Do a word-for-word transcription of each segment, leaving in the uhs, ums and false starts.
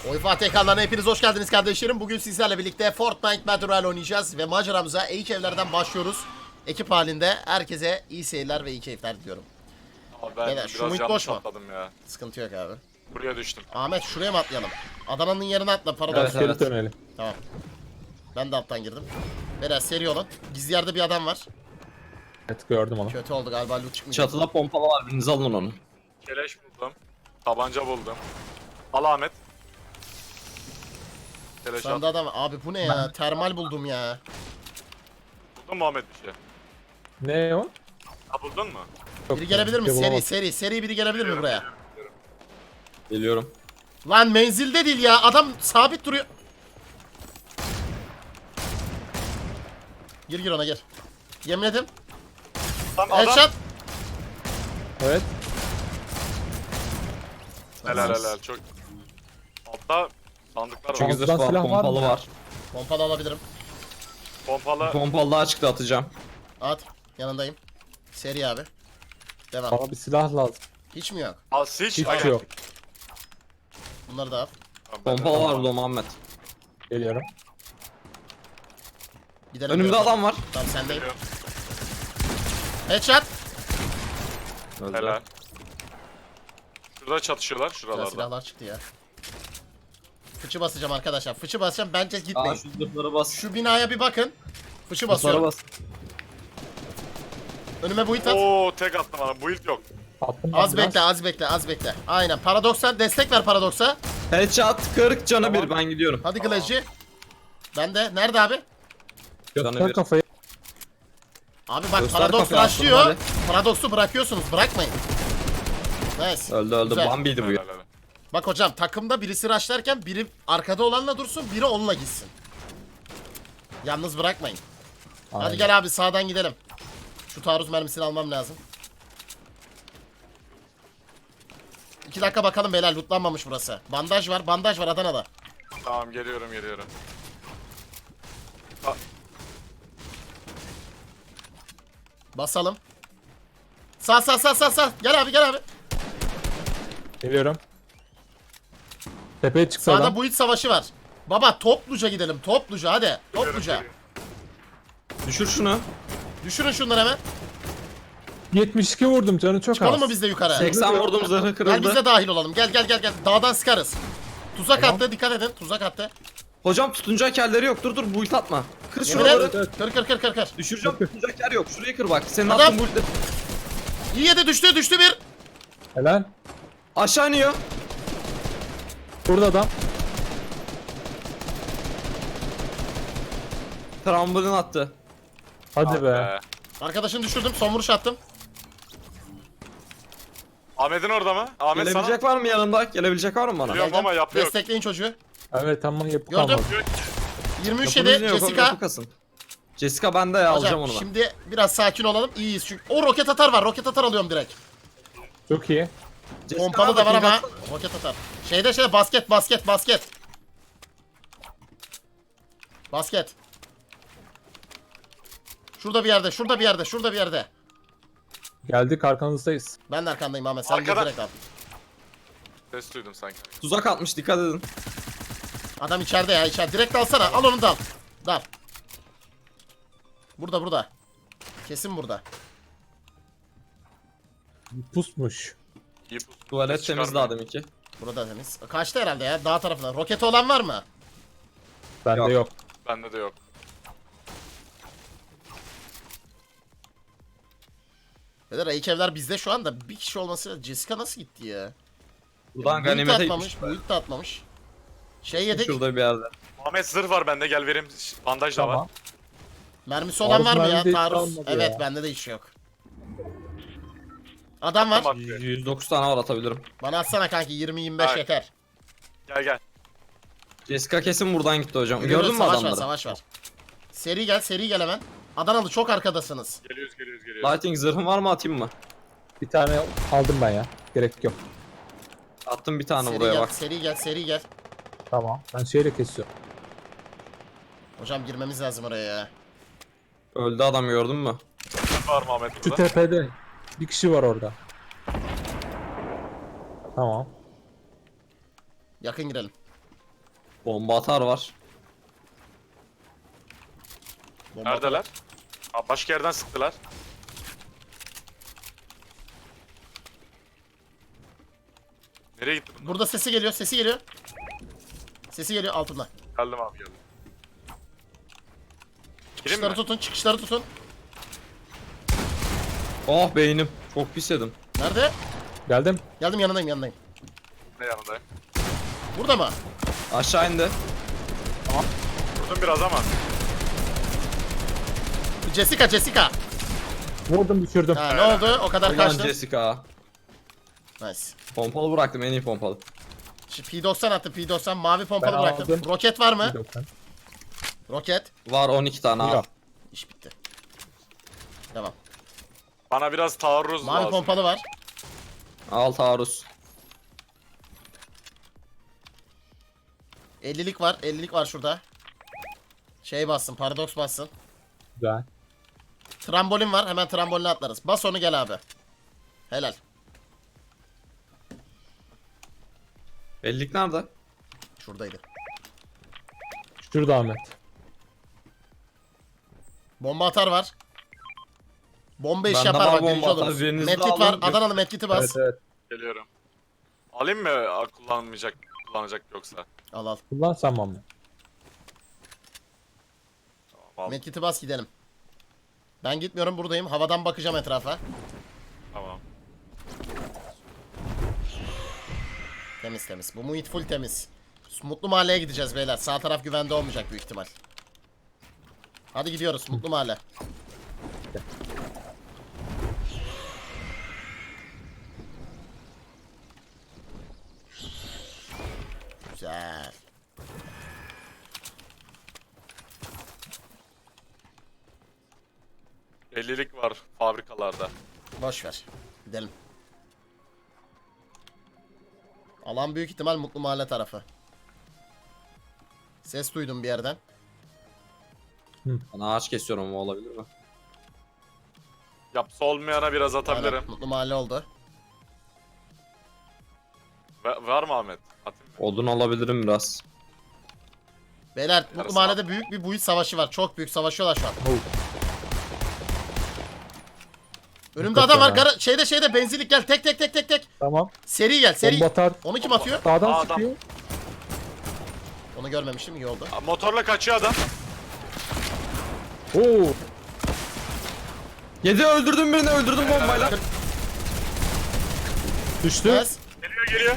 Oy Fatih ekranlarına hepiniz hoş geldiniz kardeşlerim. Bugün sizlerle birlikte Fortnite Battle Royale oynayacağız ve maceramıza ilk evlerden başlıyoruz. Ekip halinde herkese iyi seyirler ve iyi keyifler diliyorum. Abi ben Beyler, şu biraz muhit yanlış boş mu? atladım ya. Sıkıntı yok abi. Buraya düştüm. Ahmet şuraya mı atlayalım? Adana'nın yerine atla para Evet, evet, geri dönelim. Tamam. Ben de alttan girdim. Biraz seri olun. Gizli yerde bir adam var. Evet, gördüm onu. Kötü oldu galiba, loot çıkmayacak. Çatıda pompalı var, biriniz alın onu. Keleş buldum. Tabanca buldum. Al Ahmet. Keleş Sende at. adam var. Abi bu ne ya? Termal buldum ya. Buldun mu Ahmet bir şey? Ne o? Ha buldun mu? Yok, Biri gelebilir mi? bir şey Seri bulamadım. seri seri biri gelebilir mi buraya? Geliyorum. Lan menzilde değil ya. Adam sabit duruyor. Gir gir ona gir. Yemin Tam adam. Headshot. Evet. Helal helal çok. Altta sandıklar Çok var. güzel silah var Pompalı mı? var. Pompalı alabilirim. Pompalı. Pompalı daha çıktı, atacağım. At. Yanındayım. Seri abi. Devam. Bana bir silah lazım. Hiç mi yok? Al siç. Hiç Aynen. yok. Bunları da al. Tamam, ben de- Pompalı var burada Muhammed. Geliyorum. Gidelim. Önümde diyorum. adam var. Tamam sendeyim. Geliyorum. Headshot. Öldü. Helal. Şurada çatışıyorlar Güzel şuralarda. silahlar çıktı ya. Fıçı basacağım arkadaşlar. Fıçı basacağım. Bence Aa, gitmeyin. şu zırhları bas. Şu binaya bir bakın. Fıçı Zırhlara basıyorum. bas. Önüme buit at. Oo tek attım bana. Build yok. Attım ben Az biraz. bekle, az bekle, az bekle. Aynen. Paradoksa destek ver Paradoks'a. Headshot kırk canı Tamam. bir, ben gidiyorum. Hadi Glacı. Ben de. Nerede abi? Canı Göster bir. kafayı. Abi bak Göster Paradoks kafayı, rushlıyor. aslında Paradoks'u bırakıyorsunuz. Bırakmayın. Nice. Öldü öldü, Güzel. Bambi'ydi bu Helal ya. helal. Bak hocam takımda birisi rushlarken biri arkada olanla dursun, biri onunla gitsin. Yalnız bırakmayın. Hadi Aynen. gel abi sağdan gidelim. Şu taarruz mermisini almam lazım. İki dakika bakalım beyler, lootlanmamış burası. Bandaj var, bandaj var Adana'da. Tamam geliyorum geliyorum. Basalım. Sağ sağ sağ sağ sağ. Gel abi gel abi. Geliyorum. Tepeye çıktı Sağda adam. build savaşı var. Baba topluca gidelim, topluca hadi. Topluca. Geliyorum, Düşür şunu. Düşürün şunları hemen. yetmiş iki vurdum, canı çok Çıkalım az. mı biz de yukarı? seksen vurdum, zırhı Gel kırıldı. biz de dahil olalım. Gel gel gel gel. Dağdan sıkarız. Tuzak Tamam. attı, dikkat edin. Tuzak attı. Hocam tutunacak yerleri yok, dur dur, build atma. Kır Yemin şuraları. et. Kır kır kır kır kır. Düşüreceğim, tutunacak yer yok. Şurayı kır bak. Senin Adam- attığın build'de. İyi yedi, düştü düştü bir. Helal. Aşağı iniyor. Burada adam. Trambolin attı. Hadi be. Ee, Arkadaşını düşürdüm, son vuruş attım. Ahmet'in orada mı? Ahmet sana. Gelebilecek var mı yanımda? Gelebilecek var mı bana? Biliyorum Geldim. ama yapıyor. Destekleyin çocuğu. Evet, tamam, yapı Gördüm. kalmadı. yirmi üç Yapımız yedi ne yok, Jessica. yapı kasın. Jessica bende ya, alacağım Hocam onu ben. şimdi biraz sakin olalım. İyiyiz çünkü. O roket atar var. Roket atar alıyorum direkt. Çok iyi. Jessica Pompalı da var nerede? ama. Ping atsana. Roket atar. Şeyde şeyde basket basket basket. Basket. Şurada bir yerde, şurada bir yerde, şurada bir yerde. Geldik, arkanızdayız. Ben de arkandayım Ahmet. Sen gir Arkada. direkt al. Ses duydum sanki. Tuzak atmış, dikkat edin. Adam içeride ya, içeride. Direkt alsana. Al onu da al. Dal. Burada burada. Kesin burada. Pusmuş. İyi pus. Tuvalet Ses temiz çıkarmıyor. daha deminki. Burada temiz. Kaçtı herhalde ya, dağ tarafına. Roketi olan var mı? Bende Yok. yok. Bende de yok. Beyler ilk evler bizde şu anda. Bir kişi olması. Jessica nasıl gitti ya? Buradan Build de ganimete atmamış. gitmiş. Build de atmamış. Şey yedik. Şurada bir yerde. Ahmet zırh var bende gel vereyim. Bandaj da var. Tamam. Mermisi olan var mı Taarruz ya? mermi de hiç Taarruz. kalmadı Evet ya. bende de iş yok. Adam var. Tamam. yüz dokuz tane var, atabilirim. Bana atsana kanki, yirmi yirmi beş Hayır. yeter. Gel gel. Jessica kesin buradan gitti hocam. Görüyoruz, Gördün mü savaş adamları? var, savaş var. Seri gel, seri gel hemen. Adanalı çok arkadasınız. Geliyoruz geliyoruz geliyoruz. Lighting zırhın var mı, atayım mı? Bir tane aldım ben ya. Gerek yok. Attım bir tane Seri buraya gel, bak. seri gel, seri gel. Tamam. Ben şeyle kesiyorum. Hocam girmemiz lazım oraya ya. Öldü adam, gördün mü? Var mı Ahmet Şu burada? tepede. Bir kişi var orada. Tamam. Yakın girelim. Bomba atar var. Bomba Neredeler? Aa, başka yerden sıktılar. Nereye gitti bunlar? Burada sesi geliyor, sesi geliyor. Sesi geliyor altında. Geldim abi geldim. Gireyim Çıkışları mi? tutun, çıkışları tutun. Oh beynim. Çok pis yedim. Nerede? Geldim. Geldim yanındayım, yanındayım. Ne yanındayım? Burada mı? Aşağı indi. Vurdum biraz ama. Jessica, Jessica. Vurdum düşürdüm. Ha, ne oldu? O kadar Ulan kaçtın. Jessica. Nice. Pompalı bıraktım, en iyi pompalı. Şimdi P doksan attı, P doksan. Mavi pompalı Ben bıraktım. aldım. Roket var mı? Bir doksan. Roket. Var on iki tane al. Yok. İş bitti. Tamam. Bana biraz taarruz Mavi lazım. pompalı var. Al taarruz. ellilik var, ellilik var şurada. Şey bassın, paradoks bassın. Güzel. Trambolin var, hemen tramboline atlarız. Bas onu gel abi. Helal. Bellik nerede? Şuradaydı. Şurada Ahmet. Bomba atar var. Bomba iş Bende yapar var bak, bomba birinci atar, oluruz. birinizi de Medkit var, alın. Adanalı medkiti bas. Evet evet. Geliyorum. Alayım mı? Aa, kullanmayacak, kullanacak yoksa. Al al. Kullansam mı? Tamam, aldım. Medkit'i bas gidelim. Ben gitmiyorum, buradayım. Havadan bakacağım etrafa. Tamam. Temiz temiz. Bu muhit full temiz. Mutlu Mahalle'ye gideceğiz beyler. Sağ taraf güvende olmayacak büyük ihtimal. Hadi gidiyoruz Mutlu Mahalle. Güzel. ellilik var fabrikalarda. Boş ver. Gidelim. Alan büyük ihtimal Mutlu Mahalle tarafı. Ses duydum bir yerden. Ben ağaç kesiyorum ama olabilir mi? Yapsa olmayana biraz atabilirim. Aynen, Mutlu Mahalle oldu. Va- var mı Ahmet? Atayım mı? Odun alabilirim biraz. Beyler Mutlu Yarısı Mahalle'de büyük bir buit savaşı var. Çok büyük savaşıyorlar şu an. Oh. Önümde Dikkat adam var. ya. Gara şeyde şeyde benzinlik gel. Tek tek tek tek tek. Tamam. Seri gel seri. Bomba atar. Onu kim atıyor? Sağdan Aa, adam. sıkıyor. Onu görmemiştim, iyi oldu. Aa, motorla kaçıyor adam. Oo. Yedi öldürdüm birini öldürdüm bombayla. Düştü. Yes. Geliyor geliyor.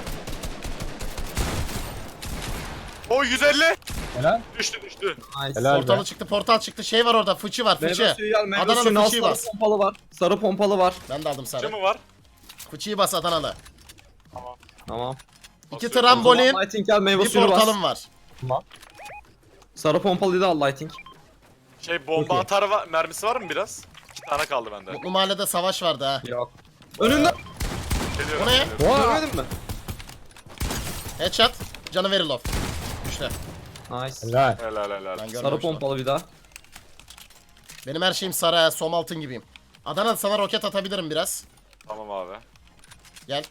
O yüz elli. Helal. Düştü düştü. Nice. Helal Portalı be. çıktı, portal çıktı. Şey var orada, fıçı var, Meyve fıçı. suyu gel, meyve Adanalı suyunu al, fıçıyı sarı bas. pompalı var. Sarı pompalı var. Ben de aldım Fıçı sarı. mı var? Fıçıyı bas Adanalı. Tamam. İki Basıyorum. trambolin, Lighting gel, meyve bir suyunu bas. portalım var. Tamam. Sarı pompalıyı da al lighting. Şey bomba Okey. atar va- mermisi var mı biraz? İki tane kaldı bende. Mutlu Mahalle'de savaş vardı ha. Yok. Önünde. Geliyorum. Bu ne? geliyorum. Oha. Görmedin mi? Headshot. Canı verir lof. İşte. Nice. Helal. Helal helal. Ben Sarı görmemiştim. pompalı bir daha. Benim her şeyim sarı, ha, som altın gibiyim. Adana sana roket atabilirim biraz. Tamam abi. Gel.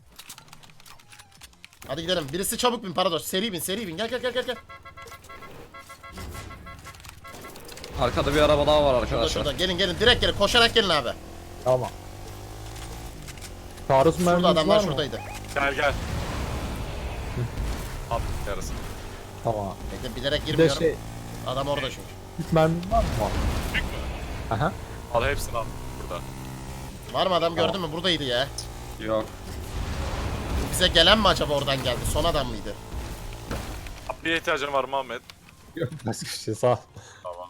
Hadi gidelim. Birisi çabuk bin Paradox. Seri bin, seri bin. Gel gel gel gel. gel. Arkada bir araba daha var Şurada arkadaşlar. şurada. Gelin gelin. Direkt gelin. Koşarak gelin abi. Tamam. Taarruz Şurada mermimiz adamlar var mı? şuradaydı. Gel gel. At yarısı. Tamam. Bekle, bilerek Bir de girmiyorum. şey. Adam orada çünkü. Üç mermimiz var mı? Büyük mü? Aha. Al hepsini al. Burada. Var mı adam, gördün mü? Buradaydı ya. Yok. Bize gelen mi acaba oradan geldi? Son adam mıydı? Bir ihtiyacın var mı Ahmet? Yok. Başka bir şey sağ ol. Tamam.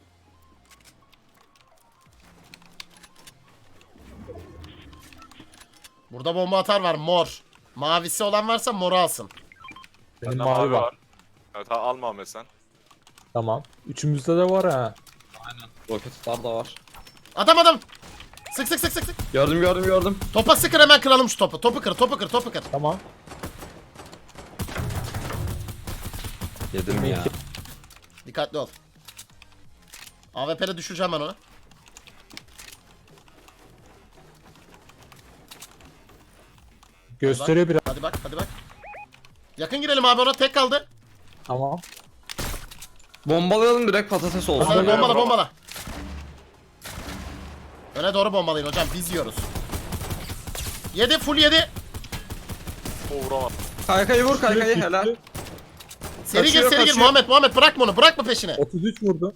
Burada bomba atar var, mor. Mavisi olan varsa moru alsın. Benim Bende mavi var. Evet ha, alma Ahmet sen. Tamam. Üçümüzde de var ha. Roket atar da var. Adam adam. Sık sık sık sık sık. Gördüm gördüm gördüm. Topa sıkır, hemen kıralım şu topu. Topu kır, topu kır, topu kır. Tamam. Yedim ya. Dikkatli ol. A W P'de düşüreceğim ben onu. Gösteriyor biraz. Hadi bak, hadi bak. Yakın girelim abi, ona tek kaldı. Tamam. Bombalayalım direkt patates olsun. Hadi Bomba- bombala bombala. Öne doğru bombalayın hocam biz yiyoruz. Yedi full yedi. O vuramaz. Kaykayı vur kaykayı Düştü. helal. Seri gir Kaçıyor, seri gir kaçıyor. Muhammed Muhammed bırakma onu bırakma peşine. otuz üç vurdu.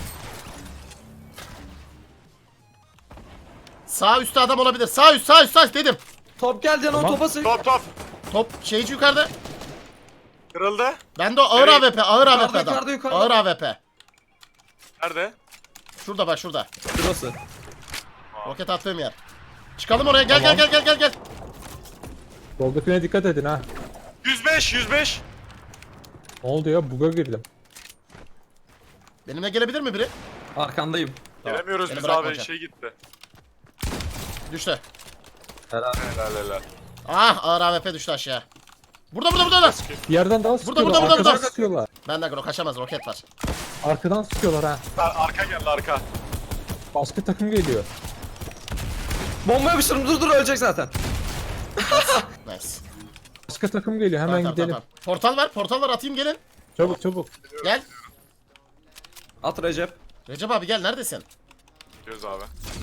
Sağ üstte adam olabilir. Sağ üst sağ üst sağ üst dedim. Top geldi lan o Tamam. topa sık. Top top. Top şeyci yukarıda. Kırıldı. Bende o ağır Nereye? A W P ağır Yukarıda, A W P adam. yukarıda, yukarıda. Ağır A W P. Nerede? Şurada bak şurada. Şurası. Roket attığım yer. Çıkalım oraya gel Tamam. gel gel gel gel gel. Soldakine dikkat edin ha. yüz beş yüz beş. Ne oldu ya? Bug'a girdim. Benimle gelebilir mi biri? Arkandayım. Tamam, Gelemiyoruz beni biz bırakma abi hocam. şey gitti. Düştü. Helal. Helal helal. Ah ağır A W P düştü aşağı. Burada burada burada. Bir yerden daha sıkıyorlar. burada, burada, Arkadan burada. sıkıyorlar. Benden o kaçamaz roket var. Arkadan sıkıyorlar ha. Ar- Arka geldi arka. Başka takım geliyor. Bomba yapıştırdım dur dur ölecek zaten. Nice. Başka takım geliyor. Hemen Tamam, tamam, gidelim. tamam. Portal var portal var atayım gelin. Çabuk çabuk. Gel. At Recep. Recep abi gel neredesin? Gidiyoruz abi.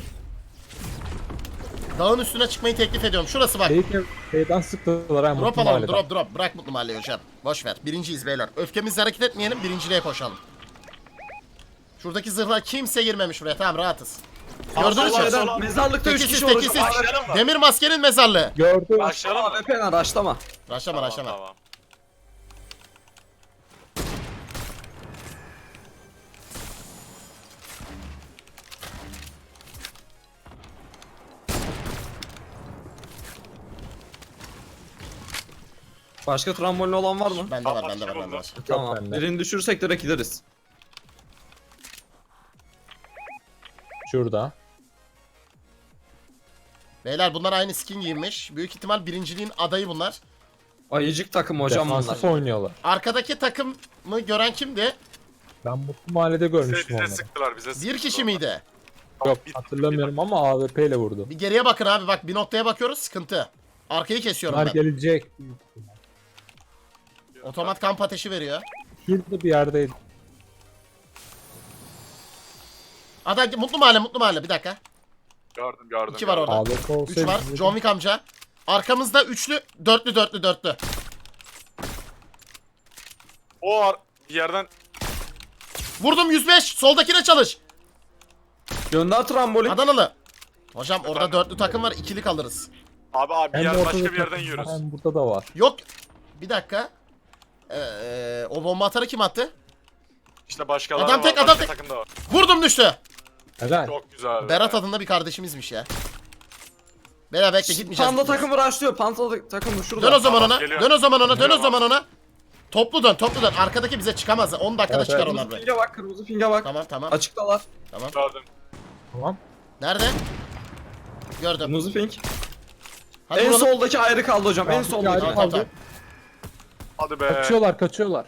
Dağın üstüne çıkmayı teklif ediyorum. Şurası bak. Şeyden, şeyden sıktılar ha. Drop Mutlu alalım Mahalle'den. drop drop. Bırak Mutlu Mahalleyi hocam. Boş ver. Birinciyiz beyler. Öfkemizle hareket etmeyelim. Birinciliğe koşalım. Şuradaki zırhlar kimse girmemiş buraya. Tamam rahatız. Gördünüz mü? Allah, Şeyden, Allah. mezarlıkta üç Tekisiz kişi olacak. tekisiz. Başlayalım mı? Demir maskenin mezarlığı. Gördüm. Başlayalım mı? A W P'den raşlama. Raşlama raşlama. Tamam. Başka trambolin olan var mı? Bende var Tamam, bende var kim bende oldu? var. Tamam. bende. Birini düşürsek direkt gideriz. Şurada. Beyler bunlar aynı skin giyinmiş. Büyük ihtimal birinciliğin adayı bunlar. Ayıcık takım hocam bunlar. Defansif oynuyorlar. Arkadaki takımı gören kimdi? Ben Mutlu Mahalle'de Bize, görmüştüm bize onları. sıktılar bize sıktılar. Bir kişi miydi? Yok hatırlamıyorum ama A W P ile vurdu. Bir geriye bakın abi bak bir noktaya bakıyoruz sıkıntı. Arkayı kesiyorum Bunlar ben. gelecek. Otomat kamp ateşi veriyor. Şurada bir yerdeydi. Adam mutlu mahalle mutlu mahalle bir dakika. Gördüm gördüm. İki var gördüm. orada. A W P Üç olsaydı var. bize- John Wick amca. Arkamızda üçlü, dörtlü, dörtlü, dörtlü. O ar- bir yerden Vurdum yüz beş. Soldakine çalış. Gönder trambolin. Adanalı. Hocam orada dörtlü takım var. İkili kalırız. abi abi bir Hem yer ortada başka bir takım yerden var, yiyoruz. Hem burada da var. Yok. Bir dakika. Ee, o bomba atarı kim attı? İşte başkaları Adam var. tek, adam başka tek. takımda var. Vurdum düştü. Helal. Çok güzel. Berat adında bir kardeşimizmiş ya. Beyler bekle gitmeyeceğiz. Panda gitmeyeceğiz. takımı raşlıyor. Panda takımı şurada. Dön o zaman Tamam, ona. geliyor. Dön o zaman ona. Dön o Geliyor zaman ona. Toplu dön, toplu dön. Arkadaki bize çıkamaz. on dakikada Evet, çıkar evet. onlar Kırmızı buraya. pinge bak kırmızı pinge bak. Tamam tamam. Açıktalar. Tamam. Gördüm. Tamam. Nerede? Gördüm. Kırmızı pink. Hadi En vuralım. soldaki ayrı kaldı hocam. En Tamam, soldaki. ayrı Tamam, kaldı. tamam, Hadi be. Kaçıyorlar kaçıyorlar.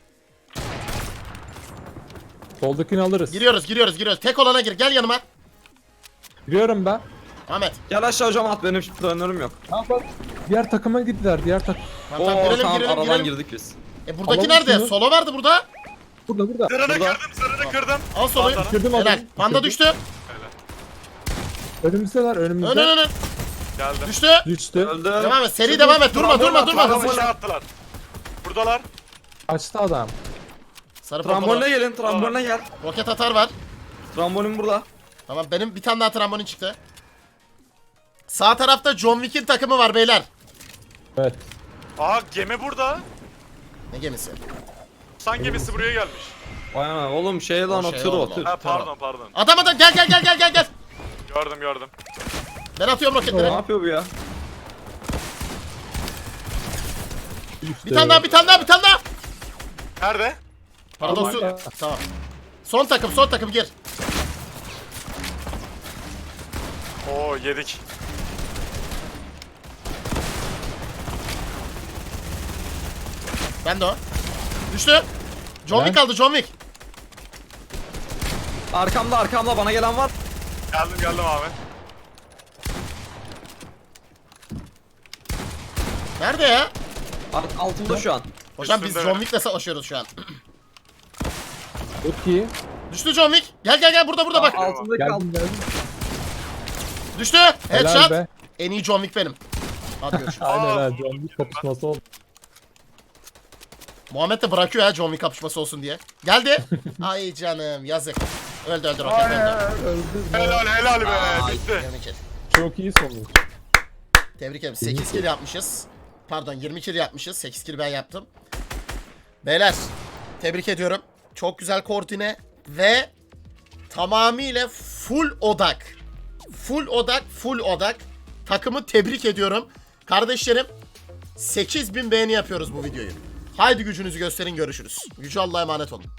Soldakini alırız. Giriyoruz, giriyoruz, giriyoruz. Tek olana gir. Gel yanıma. Giriyorum ben. Ahmet. Gel aşağı hocam at benim dönürüm yok. Ha bak. Diğer takıma gittiler. Diğer takım. Tamam, Oo tamam, girelim, tamam girelim, aradan girelim. girdik biz. E buradaki Alalım nerede? şunu. Solo vardı burada. Burada burada. Zırhını Burada. kırdım zırhını kırdım. Al soloyu. Panda'nın. Kırdım Helal. adamı. Panda Kırdım. düştü. Önümüzdeler önümüzde. Ön ön ön. Geldim. Düştü. Düştü. Öldü. Devam et. Seri devam et. Durma, durma, durma. Tramboline Hızlı. attılar. Buradalar. Kaçtı adam. Sarı Tramboline pompalı. gelin tramboline gel. Roket atar var. Trambolin burada. Tamam benim bir tane daha trambolin çıktı. Sağ tarafta John Wick'in takımı var beyler. Evet. Aa gemi burada. Ne gemisi? San gemisi buraya gelmiş. Vay ana oğlum şey lan O o şey tır o oğlum o. tır. Ha pardon pardon. Adam adam gel gel gel gel gel gel. Gördüm gördüm. Ben atıyorum Ne roketleri. yapıyor bu ya? Bir tane daha bir tane daha bir tane daha. Nerede? Paradoksu. Tamam. Tamam. Son takım son takım gir. Oo yedik. Ben de o. Düştü. John Ben- Wick kaldı John Wick. Arkamda arkamda bana gelen var. Geldim geldim abi. Nerede ya? Alt- Altımda şu an. Hocam biz Üstünde. John Wick'le savaşıyoruz şu an. Çok iyi. Düştü John Wick. Gel gel gel burada burada bak. Altında Geldim kaldı. geldim. Düştü. Helal Headshot. be. En iyi John Wick benim. Hadi görüşürüz. Aynen Aa, ha. John Wick kapışması oldu. Muhammed de bırakıyor ya John Wick kapışması olsun diye. Geldi. Ay canım yazık. Öldü öldü roket öldü. Öldü. Helal helal be. Ay, Bitti. yirmi kill. Çok iyi sonuç. Tebrik ederim. sekiz kill yapmışız. Pardon yirmi kill yapmışız. sekiz kill ben yaptım. Beyler tebrik ediyorum. Çok güzel koordine ve tamamıyla full odak. Full odak, full odak. Takımı tebrik ediyorum. Kardeşlerim sekiz bin beğeni yapıyoruz bu videoyu. Haydi gücünüzü gösterin, görüşürüz. Gücü Allah'a emanet olun.